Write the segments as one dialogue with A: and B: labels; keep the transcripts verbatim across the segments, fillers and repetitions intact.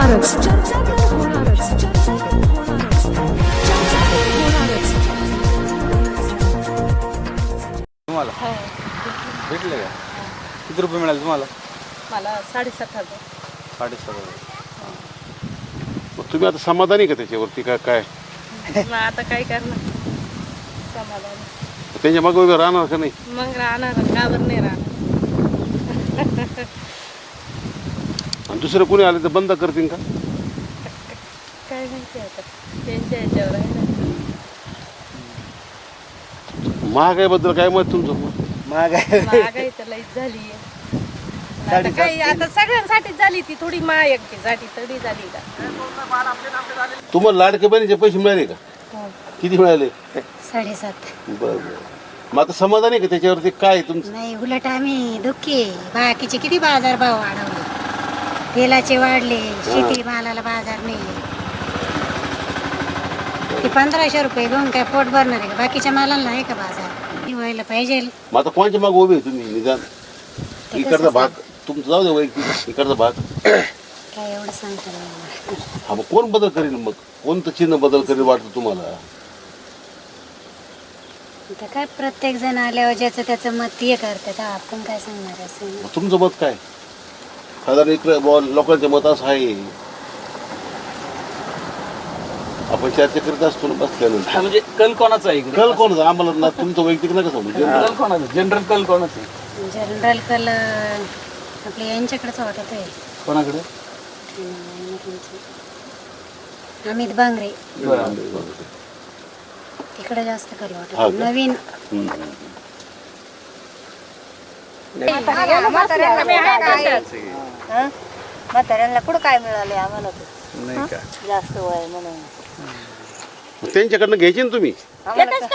A: होणारच, चर्चा तर होणारच, चर्चा तर होणारच, चर्चा तर होणारच.
B: तुम्हाला भेटले का? किती रुपये मिळाले तुम्हाला?
C: मला साडेसात हजार.
B: साडेसात हजार.
D: मग तुम्ही आता समाधानी का त्याच्यावरती का काय?
C: मग आता काय करणार? समाधान.
D: त्यांच्या मागे उभे राहणार का नाही?
C: मग राहणार का बरं नाही राहणार?
D: आणि दुसरं कोणी आले तर बंद करतील का?
C: काय माहिती आता त्यांच्या ह्याच्यावर आहे ना.
D: महागाईबद्दल काय मत तुमचं?
C: महागाई तर लईच झाली आहे. आता काही आता सगळ्यांसाठीच झाली ती, थोडी महायुक्तीसाठी तरी झाली का?
D: तुम्हाला लाडके बहिणीचे पैसे मिळाले का? किती मिळाले?
E: साडेसात.
D: बरं बरं. मग आता समाधानी का त्याच्यावरती काय तुमचं?
E: नाही, उलट आम्ही दुःखी आहे. बाकीचे किती बाजार भाव वाढवले, तेलाचे वाढले, शेती मालाला बाजार नाही. ते पंधराशे रुपये घेऊन काय पोट भरणार आहे का? बाकीच्या मालाला आहे का बाजार? व्हायला पाहिजे.
D: मग आता कोणाच्या मागे उभे आहे तुम्ही? निदान इकडचा भाग तुमचा जाऊ दे, वैयक्तिक इकडचा भाग
E: काय एवढं सांगता नाही मला.
D: हा, मग कोण बदल करेल? मग कोणतं चिन्ह बदल करेल वाटतं तुम्हाला?
E: आता काय प्रत्येक जण आल्यावर ज्याचं त्याचं मत हे करतात, आपण काय सांगणार असं.
D: मग तुमचं मत काय? साधारण इकडे बुवा लोकांचे मत असं आहे, आपण चर्चा करीत असतो ना बसल्यानंतर.
B: म्हणजे कल कोणाचा आहे इकडे?
D: कल कोणाचा? आम्हाला ना तुमचं वैयक्तिक नका सांगू.
B: कल कोणाचा? जनरल कल कोणाचा आहे?
E: जनरल कल आपल्या यांच्याकडेच वाटत आहे.
B: कोणाकडे?
E: अमित बांगरे
B: बरं.
E: तिकडे जास्त कल
D: हा
E: वाटत.
D: का?
E: नवीन
D: हम्म.
F: म्हाताऱ्यांना कुठं काय मिळाले आम्हाला तर
B: नाही का?
F: जास्त वय म्हणून.
D: मग त्यांच्याकडनं घ्यायचे ना तुम्ही? नाही का?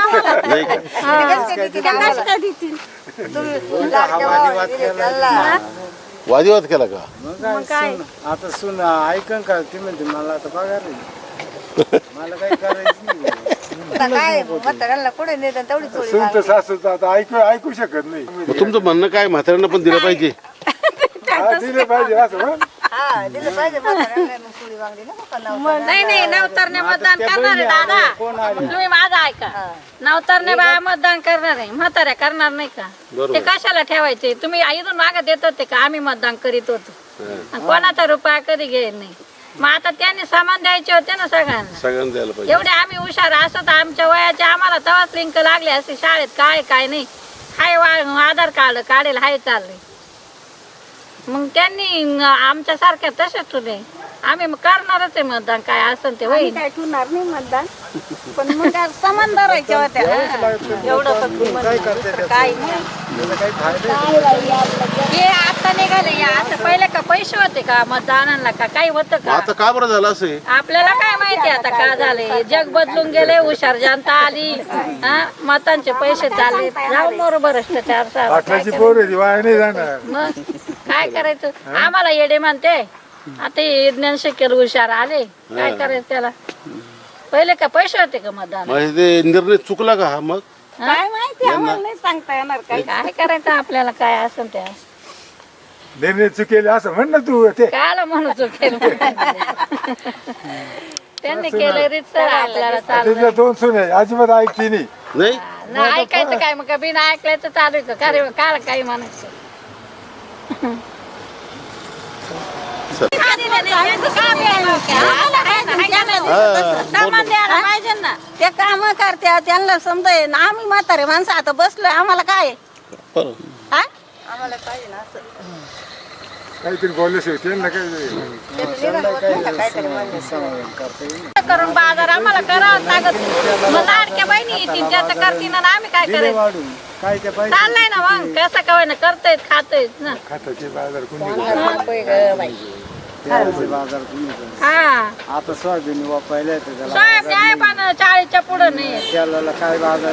D: वादिवाद केला का?
G: मग काय सुन- आता सुन ऐकन का ती म्हणते मला आता पगार नाही. मला काही करायचं नाही.
F: आता काय म्हाताऱ्यांना कुठे नेतात तेवढी चोरी
G: सुन तर सासू तर आता ऐकू ऐकू शकत नाही.
D: मग तुमचं म्हणणं काय, म्हाताऱ्यांना पण दिलं पाहिजे?
G: हा, दिले पाहिजे असं म्हण.
F: हा दिलं पाहिजे म्हाताऱ्यांना मग चोरी वांगडी ना मग नवसाला.
C: नाही नाही, नवतरने मतदान करणार आहे दादा. तुम्ही माझं ऐका. नवतरने बा मतदान करणार आहे, म्हाताऱ्या करणार नाही का? ते कशाला ठेवायचे? तुम्ही इथून मागत येत होते का आम्ही मतदान करीत होतो? आणि कोणाचा रुपया कधी घेत नाही. मग आता त्यांनी सामान द्यायचे होते ना सगळ्यांना.
D: सगळ्यांना द्यायला पाहिजे.
C: एवढे आम्ही हुशार असत आमच्या वयाचे आम्हाला तेव्हाच लिंक लागले असते शाळेत. काय काय नाही, हाय वा आधार कार्ड काढेल, हाय चालले. मग त्यांनी आमच्या सारख्या तसेच होते. आम्ही मग करणारच आहे मतदान, काय असेल ते होईल.
F: काय ठेवणार नाही मतदान, पण मग काय समान धरायच्या होत्या. एवढं पण
G: काय करते त्याचं?
F: काय नाही.
G: त्याचा काही फायदा नाही.
C: हे आता निघाले या, आता पहिले का पैसे होते का मतदानाला का काही होतं का?
D: आता का बरं झालं असं?
C: आपल्याला काय माहिती आता का झाले? जग बदलून गेले, हुशार जनता आली, हा मतांचे पैसे चालले. जाऊ मोर भ्रष्टाचार.
G: पाटलाची पोर आहे ती, वाया नाही जाणार.
C: मग काय करायचं? आम्हाला येडे म्हणते. आता हे ज्ञान शिकेल हुशार आले, काय करायचं त्याला? पहिले का पैसे होते का मतदान?
D: मग ते निर्णय चुकला का हा? मग
C: काय माहिती, आम्हाला नाही सांगता येणार. काय काय करायचं आपल्याला, काय असेल ते.
G: निर्णय चुकेले असं म्हण ना तू. ते
C: कायला म्हणू चुकेल? त्यांनी केलं रीतसर आपल्याला चालू.
G: तिथल्या दोन सुने अजिबात ऐकती नाही.
D: नाही
C: नाही ऐकायचं काय? मग बिना ऐकल्याचं चालू आहे का? अरे काय काही म्हणायचं? पाहिजे ना.
F: ते काम करत्या त्यांना समजाय ना. आम्ही म्हातारे माणसं आता बसलोय, आम्हाला काय
D: बरं.
F: हा? आम्हाला पाहिजे ना असं.
G: काहीतरी बोलले त्यांना काय
C: करून बाजार आम्हाला करावं लागत. मग लाडक्या बहिणी येतील त्याचं करतील ना, आम्ही काय करायचं?
G: वाढून काय ते पाहिजे
C: चाललंय ना मग, कसं काय ना करतायत खातायत ना.
G: खताचे बाजार कुणी बाजार कुणी
C: हा
G: आता सोयाबीन वापरायला येते त्याला.
C: साहेब आहे पण चाळीसच्या पुढं नाही.
G: त्याला काय बाजार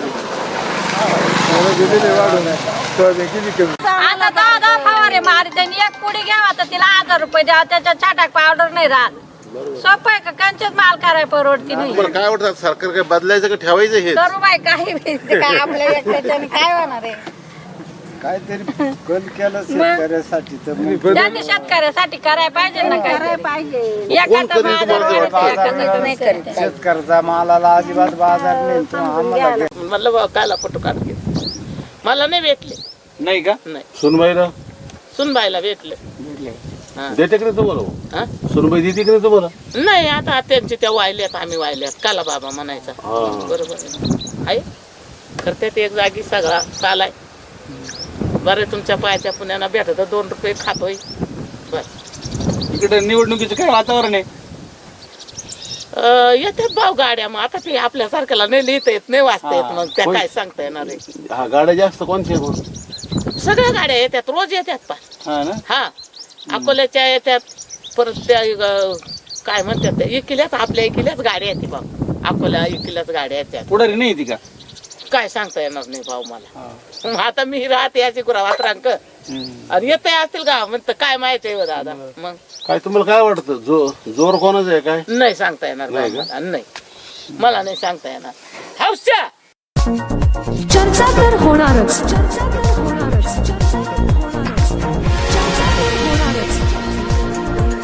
G: वाढून सोयाबीन किती कमी.
C: आता दहा दहा फवारे मारी त्यांनी एक पुडी घ्यावा तर तिला हजार रुपये द्यावा, त्याच्यात छाटाक पावडर नाही राहत. सोपं आहे का? कंचच माल करायला परवडती नाही.
D: तुम्हाला काय वाटतं, सरकार काय बदलायचं का ठेवायचं हे?
C: करू बाय काही बी. ते काय आपल्या एकट्याच्याने काय होणार आहे?
G: काहीतरी बंद केलं शेतकऱ्यासाठी तर मग
C: त्यांनी शेतकऱ्यासाठी करायला पाहिजे ना काय
F: करायला पाहिजे
C: एखादा
D: करेल
C: बाजार
D: तुम्हाला ते
C: वाढायचा,
G: बाजार
C: एखादा नाही करीत.
G: शेतकऱ्याचा मालाला अजिबात बाजार नाही तो आम्हाला घे-
H: म्हणलं बा कायला फोटो काढ घे मला नाही भेटले
B: नाही का
H: नाही
D: सुनबाईला
H: सुनबाईला भेटले
D: देते की नाही तुम्हाला
H: हा?
D: सुनबाई देते की नाही तुम्हाला
H: नाही आता त्यांचे त्या वाहिल्यात आम्ही वाहिल्यात काला बाबा म्हणायचा
D: हा.
H: बरोबर आहे ना? आहे करते एक जागी सगळा चालाय बरं तुमच्या पायाच्या पुण्याला भेटत दोन रुपये खातोय बर
B: इकडे निवडणुकीचं काय वातावरण आहे?
H: अं, येतात भाऊ गाड्या मग आता ते आपल्यासारख्याला नाही लिहिता येत नाही वाचता येत मग त्या
D: कोण-
H: काय सांगता येणार आहे
D: हा गाड्या जास्त कोणत्या कोण
H: सगळ्या गाड्या येतात रोज येतात पण
B: हा ना
H: हा अकोल्याच्या येतात परत त्या अं, काय म्हणतात त्या इकिल्याच आपल्या इकिल्याच गाड्या येते भाऊ अकोल्या इकिल्याच गाड्या येतात
B: पुढारी नाही ती का?
H: काय सांगता येणार नाही भाऊ मला मग आता मी राहते याची गुरावात रांक आणि येते असतील का म्हणतं काय माहिती आहे हो दादा मग
D: काय तुम्हाला काय वाटतं जो जोर कोणाचा आहे काय
H: नाही सांगता येणार भाऊ मला नाही मला नाही सांगता येणार हौशा
A: चर्चा तर होणारच चर्चा तर होणारच चर्चा तर होणारच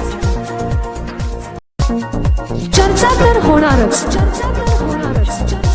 A: चर्चा तर होणारच चर्चा तर होणारच चर्चा तर होणारच